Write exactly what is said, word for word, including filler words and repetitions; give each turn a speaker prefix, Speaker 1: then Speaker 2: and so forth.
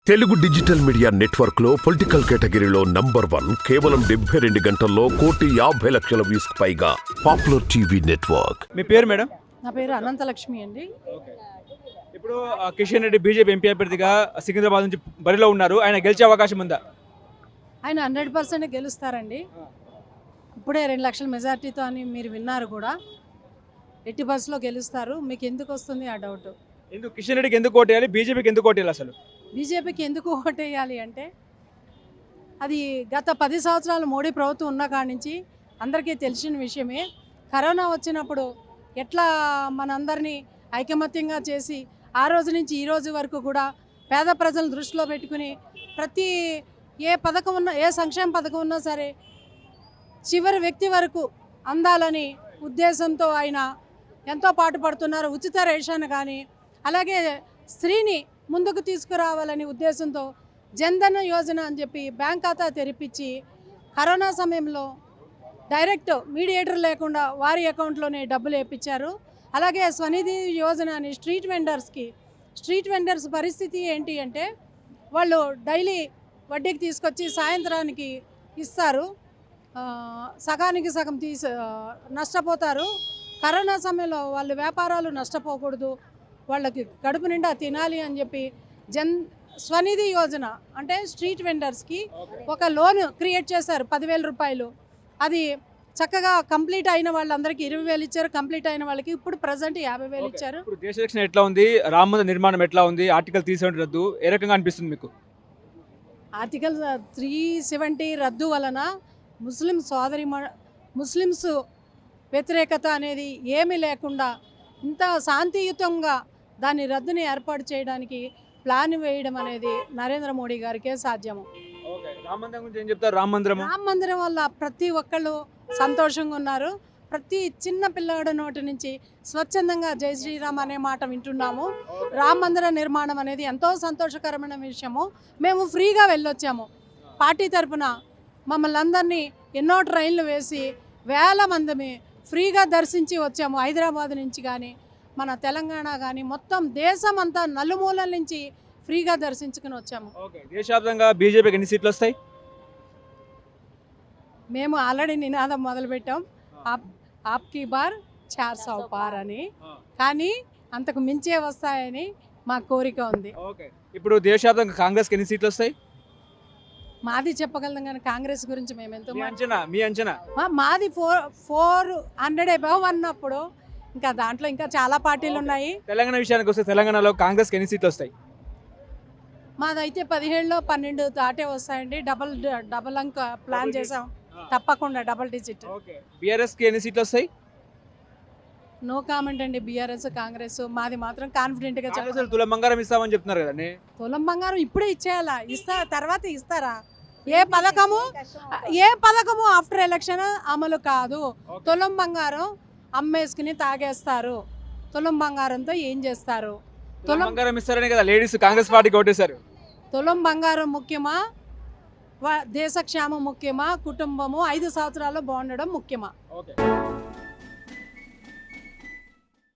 Speaker 1: Telugu digital media network లో political కేటగిరీలో number one కేవలం డెబ్బై రెండు గంటల్లో కోటి యాభై లక్షల వ్యూస్ పైగా పాపులర్ టీవీ నెట్వర్క్.
Speaker 2: మీ పేరు మేడం?
Speaker 3: నా పేరు అనంతలక్ష్మి అండి.
Speaker 2: ఇప్పుడు కిషన్ రెడ్డి బీజేపీ ఎంపీ అభ్యర్థిగా సికింద్రాబాద్ నుంచి బరిలో ఉన్నారు. ఆయన గెలిచే అవకాశం ఉందా?
Speaker 3: ఆయన హండ్రెడ్ పర్సెంట్ గెలుస్తారండి. ఇప్పుడే రెండు లక్షల మెజార్టీతో అని మీరు విన్నారు కూడా. ఎట్టి బస్సులో గెలుస్తారు. మీకు ఎందుకు వస్తుంది ఆ డౌట్?
Speaker 2: ఎందుకు కిషన్ రెడ్డికి ఎందుకు ఓటేయాలి, బీజేపీకి ఎందుకు ఓటేయాలి? అసలు
Speaker 3: బీజేపీకి ఎందుకు ఓటేయాలి అంటే అది గత పది సంవత్సరాలు మోడీ ప్రభుత్వం ఉన్న కాడి నుంచి అందరికీ తెలిసిన విషయమే. కరోనా వచ్చినప్పుడు ఎట్లా మనందరినీ ఐకమత్యంగా చేసి ఆ రోజు నుంచి ఈ రోజు వరకు కూడా పేద ప్రజలను దృష్టిలో పెట్టుకుని ప్రతి ఏ పథకం ఉన్నా, ఏ సంక్షేమ పథకం ఉన్నా సరే చివరి వ్యక్తి వరకు అందాలని ఉద్దేశంతో ఆయన ఎంతో పాటుపడుతున్నారు. ఉచిత రేషన్ కానీ, అలాగే స్త్రీని ముందుకు తీసుకురావాలని ఉద్దేశంతో జన్ధన్ యోజన అని చెప్పి బ్యాంక్ ఖాతా తెరిపించి కరోనా సమయంలో డైరెక్ట్ మీడియేటర్ లేకుండా వారి అకౌంట్లోనే డబ్బులు వేయించారు. అలాగే స్వనిధి యోజన అని స్ట్రీట్ వెండర్స్కి, స్ట్రీట్ వెండర్స్ పరిస్థితి ఏంటి అంటే వాళ్ళు డైలీ వడ్డీకి తీసుకొచ్చి సాయంత్రానికి ఇస్తారు, సగానికి సగం తీసి నష్టపోతారు. కరోనా సమయంలో వాళ్ళ వ్యాపారాలు నష్టపోకూడదు, వాళ్ళకి కడుపు నిండా తినాలి అని చెప్పి జన్ స్వనిధి యోజన అంటే స్ట్రీట్ వెండర్స్కి ఒక లోన్ క్రియేట్ చేశారు పదివేల రూపాయలు. అది చక్కగా కంప్లీట్ అయిన వాళ్ళందరికీ ఇరవై వేలు ఇచ్చారు, కంప్లీట్ అయిన వాళ్ళకి ఇప్పుడు ప్రజెంట్ యాభై వేలు ఇచ్చారు.
Speaker 2: ఇప్పుడు దేశ రక్షణ ఎట్లా ఉంది, రామ మందిర నిర్మాణం ఎట్లా ఉంది, ఆర్టికల్ త్రీ సెవెంటీ రద్దు ఏ రకంగా అనిపిస్తుంది మీకు?
Speaker 3: ఆర్టికల్ త్రీ సెవెంటీ రద్దు వలన ముస్లిం సోదరి ముస్లిమ్స్ వ్యతిరేకత అనేది ఏమీ లేకుండా ఇంత శాంతియుతంగా దాని రద్దుని ఏర్పాటు చేయడానికి ప్లాన్ వేయడం అనేది నరేంద్ర మోడీ గారికే సాధ్యము.
Speaker 2: రామ మందిరం గురించి ఏం చెప్తారు? రామ మందిరం
Speaker 3: రామ మందిరం వల్ల ప్రతి ఒక్కళ్ళు సంతోషంగా ఉన్నారు. ప్రతి చిన్న పిల్లవాడి నోటి నుంచి స్వచ్ఛందంగా జై శ్రీరామ్ అనే మాట వింటున్నాము. రామ మందిర నిర్మాణం అనేది ఎంతో సంతోషకరమైన విషయము. మేము ఫ్రీగా వెళ్ళొచ్చాము. పార్టీ తరఫున మమ్మల్ని అందరినీ ఎన్నో ట్రైన్లు వేసి వేల మందిని ఫ్రీగా దర్శించి వచ్చాము. హైదరాబాద్ నుంచి కానీ, మన తెలంగాణ కానీ, మొత్తం దేశం అంతా నలుమూలల నుంచి ఫ్రీగా దర్శించుకుని వచ్చాము.
Speaker 2: దేశవ్యాప్తంగా బీజేపీకి ఎన్ని సీట్లు వస్తాయి?
Speaker 3: మేము ఆల్రెడీ నినాదం మొదలుపెట్టాం, ఆప్ ఆప్కి బార్ చార్ సౌ పార్ అని. కానీ అంతకు మించే వస్తాయని మా కోరిక ఉంది.
Speaker 2: ఇప్పుడు దేశవ్యాప్తంగా కాంగ్రెస్కి ఎన్ని సీట్లు వస్తాయి?
Speaker 3: మాది చెప్పగలం కానీ కాంగ్రెస్ గురించి మేము ఎంతో
Speaker 2: అంచనా మీ అంచనా
Speaker 3: మాది ఫోర్ ఫోర్ హండ్రెడ్ అబవ్ అన్నప్పుడు ఇంకా దాంట్లో ఇంకా చాలా పార్టీలు ఉన్నాయి.
Speaker 2: తెలంగాణ విషయానికి వస్తే తెలంగాణలో కాంగ్రెస్కి ఎన్ని సీట్లు వస్తాయి?
Speaker 3: మాదైతే పదిహేడులో పన్నెండు దాటే వస్తాయండి. డబల్ డబల్ అంక ప్లాన్ చేసాం, తప్పకుండా డబల్ డిజిట్.
Speaker 2: బీఆర్ఎస్కి ఎన్ని సీట్లు వస్తాయి?
Speaker 3: నో కామెంట్ అండి. బీఆర్ఎస్ కాంగ్రెస్ మాది మాత్రం కాన్ఫిడెంట్గా చెప్పాలి.
Speaker 2: తులం బంగారం ఇస్తామని చెప్తున్నారు కదండి.
Speaker 3: తులం బంగారం ఇప్పుడే ఇచ్చేయాలా? ఇస్తా తర్వాత ఇస్తారా? ఏ పథకము ఏ పథకము ఆఫ్టర్ ఎలక్షన్ అమలు కాదు. తులం బంగారం అమ్మేసుకుని తాగేస్తారు. తులం బంగారంతో ఏం చేస్తారు?
Speaker 2: తులం బంగారం ఇస్తారనే కదా లేడీస్ కాంగ్రెస్ పార్టీకి ఓటేశారు.
Speaker 3: తులం బంగారం ముఖ్యమా, దేశ క్షేమం ముఖ్యమా, కుటుంబము ఐదు సంవత్సరాలు బాగుండడం ముఖ్యమా?